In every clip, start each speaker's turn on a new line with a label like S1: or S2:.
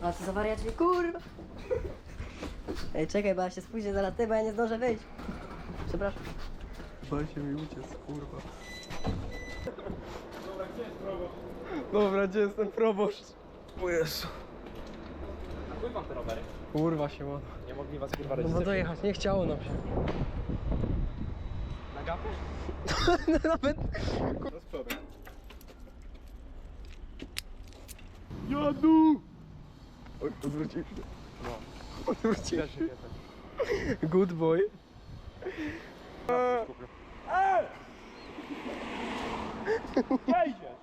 S1: A co za wariacie, kurwa! Ej, czekaj, bo ja się spóźnię zaraz ty, bo ja nie zdążę wyjść. Przepraszam.
S2: Bał się mi uciec, kurwa. Dobra, gdzie jest proboszcz? Dobra, gdzie jest ten proboszcz? O Jezu.
S3: A wam te rowery?
S2: Kurwa się ma.
S3: Nie mogli was kurwa
S2: No bo dojechać, nie chciało nam się.
S3: Na gapę?
S2: Nawet...
S3: No z przodu.
S2: Jadu! Oj, odwrócił się.
S3: No.
S2: Odwrócił
S3: Też
S2: się.
S3: się piesek.
S2: Good boy.
S3: Gdzie idziesz?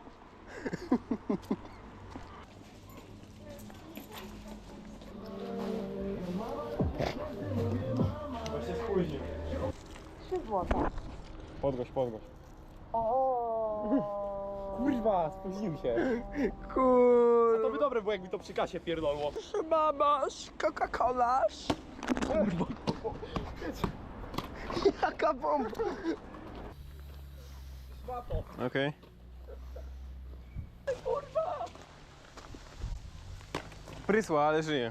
S3: Bo się spóźnił.
S1: 3 złote.
S3: Podgość, podgość.
S1: O.
S3: Kurwa, spóźnił się.
S2: Kur...
S3: To by dobre było, jakby to przy kasie pierdolło.
S2: Mamasz, Coca-Colasz. Kurwa. Jaka bomba.
S3: Okej. Prysła, ale żyje.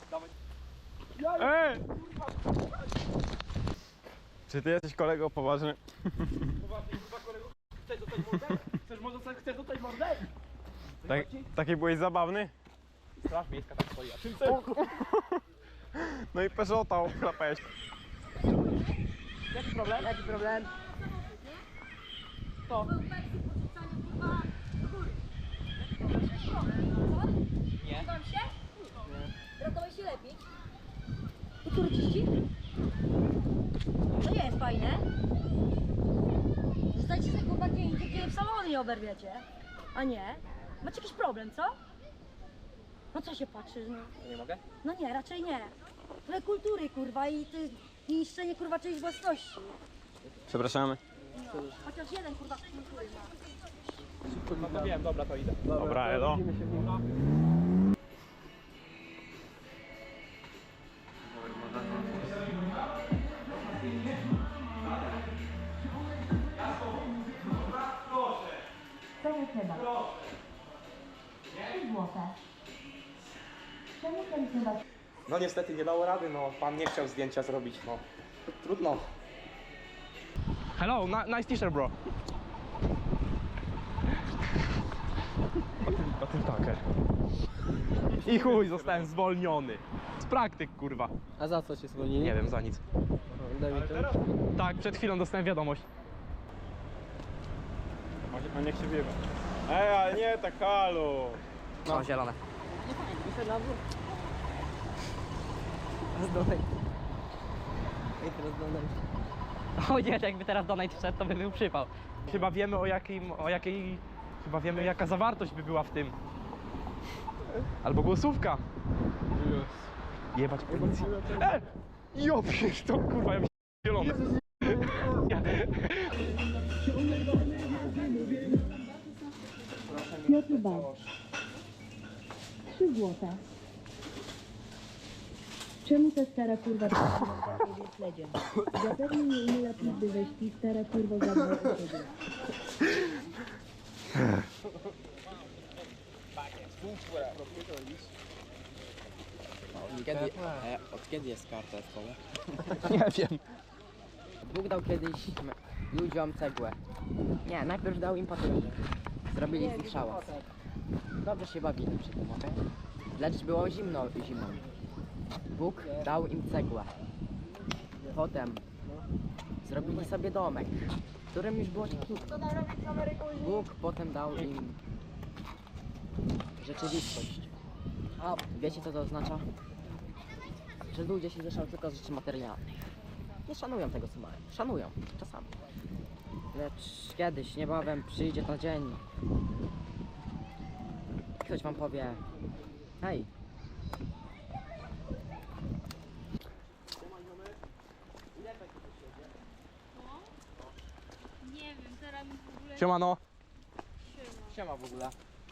S3: Ej! Czy ty jesteś kolego poważny?
S4: Chcesz dostać mordę? Chcesz dostać mordę?
S3: Tak, taki byłeś zabawny?
S4: Straż miejska tak stoi, a czym
S3: No i Peugeota ochlapałeś.
S4: Jaki problem?
S1: Jaki problem?
S4: Nie.
S5: Wam się? Ratowałeś się lepiej? I który czyści? To nie jest fajne. Zostańcie sobie kurwa gdzie indziej, gdzie w salonie nie oberwiecie. A nie? Macie jakiś problem, co? No co się patrzysz, no?
S4: Nie mogę?
S5: No nie, raczej nie. Ale kultury kurwa i ty niszczenie kurwa czyjejś własności.
S3: Przepraszamy.
S5: Chociaż jeden kurwa kultury ma.
S4: No to wiem, dobra, to idę.
S3: Dobra, elo.
S5: Czemu chyba? 3 złote. Czemu ten chyba?
S4: No niestety nie dało rady, no pan nie chciał zdjęcia zrobić, no. Trudno. Hello, nice t-shirt, bro. O tym taker. I chuj, zostałem zwolniony. Z praktyk, kurwa.
S2: A za co cię zwolnili?
S4: Nie wiem, za nic.
S2: Daj mi to.
S4: Tak, przed chwilą dostałem wiadomość.
S3: A niech się wiewa. Ej, ale nie, tak halo.
S4: No, zielone.
S2: Rozdolej. Ej, teraz dodaj.
S1: O nie, jakby teraz donate wszedł, to by był przypał.
S4: Chyba wiemy chyba wiemy jaka zawartość by była w tym. Albo głosówka. Jebać policję. Jo, to kurwa, ja mi zielone.
S5: Piotr Bał. 3 złote. Czemu ta stara kurwa jest śledzie? Zapewne nie umiela pizdy we śpi, stara kurwa zadbała o siebie.
S6: Od kiedy jest karta w szkole?
S4: Nie wiem.
S1: Bóg dał kiedyś ludziom cegłę. Nie, najpierw dał im papierze. Zrobili z nich szałas. Dobrze się bawili przy tym, okej? Lecz było zimno zimą. Bóg dał im cegłę. Potem zrobili sobie domek, w którym już było cieplutko. Bóg potem dał im rzeczywistość. A wiecie co to oznacza? Że ludzie się cieszą tylko z rzeczy materialnych. Nie szanują tego co mają. Szanują, czasami. Lecz kiedyś, niebawem przyjdzie ten dzień. Ktoś wam powie: hej,
S5: Nie wiem, teraz mi w ogóle
S4: Siemano.
S6: Siema w ogóle.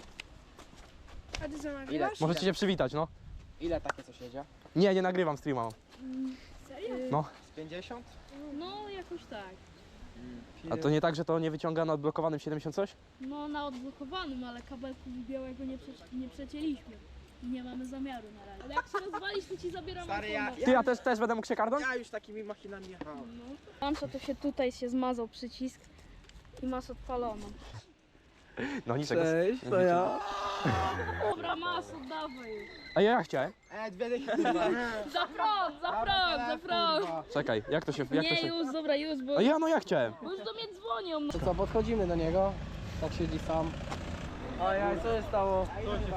S5: A ty co
S6: Ile,
S5: nagrywasz?
S4: Możecie się przywitać, no.
S6: ile takie coś jedzie?
S4: Nie, nie nagrywam streama.
S5: Serio?
S4: No.
S6: Z 50?
S5: No, jakoś tak.
S4: A to nie tak, że to nie wyciąga na odblokowanym 70 coś?
S5: No, na odblokowanym, ale kabelku białego nie przecięliśmy.
S7: Nie mamy zamiaru na razie. Ale jak się rozwalisz, to ci zabieram
S6: Stary,
S7: iPhone'a.
S4: Ty, ja też będę mógł się karnąć?
S6: Ja już takimi machinami jechałem.
S7: Pansza to się tutaj się zmazał przycisk i masz odpaloną.
S4: No niczego.
S2: Cześć, to ja.
S7: Dobra, masz, oddawaj.
S4: A ja chciałem.
S6: Dwie dychy.
S7: Za prąd, za prąd, za prąd.
S4: Czekaj, jak to się...
S7: Nie, już, dobra, już, bo
S4: A ja, no ja chciałem.
S7: już do mnie dzwonią. No.
S2: To co, podchodzimy do niego. Tak siedzi sam. Ojej, co się stało?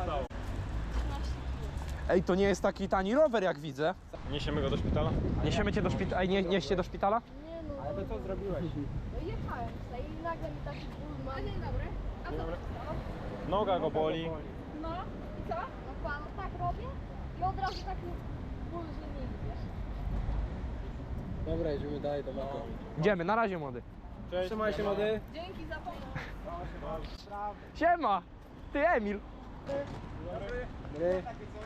S4: Ej, to nie jest taki tani rower, jak widzę.
S3: Niesiemy go do szpitala?
S4: Niesiemy cię do szpitala. Ej, nieście do szpitala?
S6: Ale to co zrobiłeś?
S8: Jechałem tutaj i nagle mi taki ból ma. Dzień dobry. A co to stało?
S3: Noga go boli.
S8: No i co? No pan, tak robię i od razu taki ból, że nie idziesz.
S2: Dobra, idziemy dalej do maka.
S4: Idziemy, na razie młody.
S3: Cześć.
S2: Trzymaj się, młody.
S8: Dzięki za pomoc.
S4: Siema! Ty Emil!
S2: Dobry.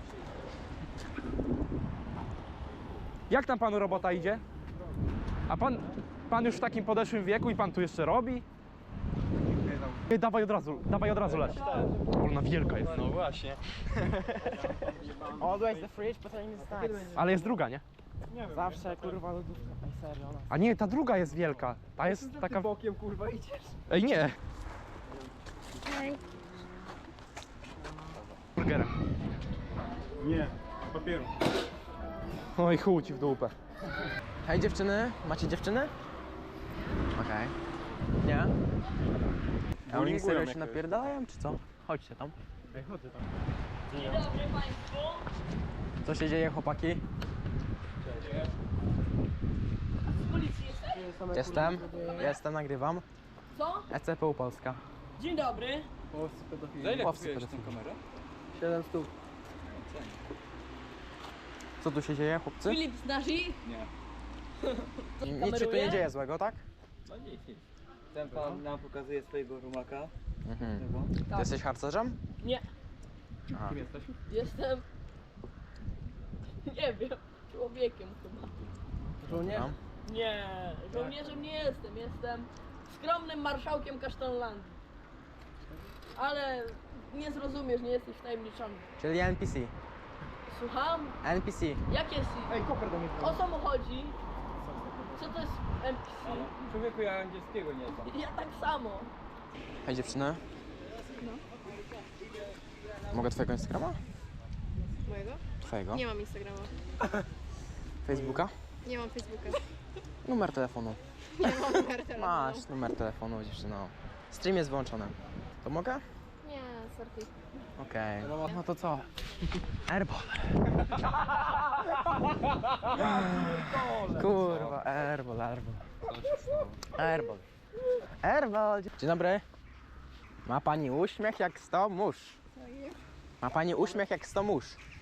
S4: Jak tam panu robota idzie? A pan już w takim podeszłym wieku i pan tu jeszcze robi? Nie, dawaj od razu leć. Ona wielka jest.
S3: No właśnie.
S6: Always the fridge, but I need snacks.
S4: Ale jest druga, nie?
S6: Zawsze kurwa lodówka. Ej, serio, ona.
S4: A nie, ta druga jest wielka. Ta jest taka...
S2: Bokiem kurwa idziesz.
S4: Ej, nie!
S7: Hej.
S4: Burgerem.
S3: Nie, papieru.
S4: Oj, chuj ci w dupę.
S6: Hej dziewczyny, macie dziewczyny? Okej. Nie? A oni
S3: Bullyingują
S6: serio się
S3: jakoś.
S6: napierdalają, czy co? Chodźcie tam.
S3: Ej, chodzę tam.
S5: Dzień dobry Państwu.
S6: Co się dzieje, chłopaki?
S5: Z policji jesteś?
S6: Jestem, nagrywam.
S5: Co?
S6: ECPU Polska.
S5: Dzień dobry.
S2: Polscy pedofili.
S3: Za ile
S6: Łowcy
S3: kupujesz tę
S6: pedofili.
S3: kamerę?
S2: 7 stóp.
S6: Co tu się dzieje, chłopcy?
S5: Filip z nasi?
S6: Nic się tu nie dzieje złego, tak?
S9: Ten pan nam pokazuje swojego rumaka.
S6: Mhm. Ty jesteś harcerzem?
S5: Nie.
S6: A.
S3: Kim jesteś?
S5: Jestem... Nie wiem. Człowiekiem chyba.
S2: Żołnierz?
S6: No.
S5: Nie. Żołnierzem nie jestem. Jestem skromnym marszałkiem Kasztanlandii. Ale nie zrozumiesz, nie jesteś wtajemniczony.
S6: Czyli NPC.
S5: Słucham?
S6: NPC.
S5: Jak jest?
S2: Ej, koper do mnie.
S5: O co mu chodzi? Co to jest NPC?
S9: Człowieku, ja angielskiego nie znam.
S5: Ja tak samo.
S6: Hej dziewczyny. Mogę twojego Instagrama?
S8: Mojego?
S6: Twojego?
S8: Nie mam Instagrama.
S6: Facebooka?
S8: Nie mam Facebooka.
S6: Numer telefonu.
S8: Nie mam numer telefonu.
S6: Masz numer telefonu, dziewczyno. Stream jest wyłączony. To mogę?
S8: Nie, sorry.
S6: Okej. No to co? Airball. Kurwa, airball. Airball. Dzień dobry. Ma pani uśmiech jak 100 mórz. Ma pani uśmiech jak 100 mórz.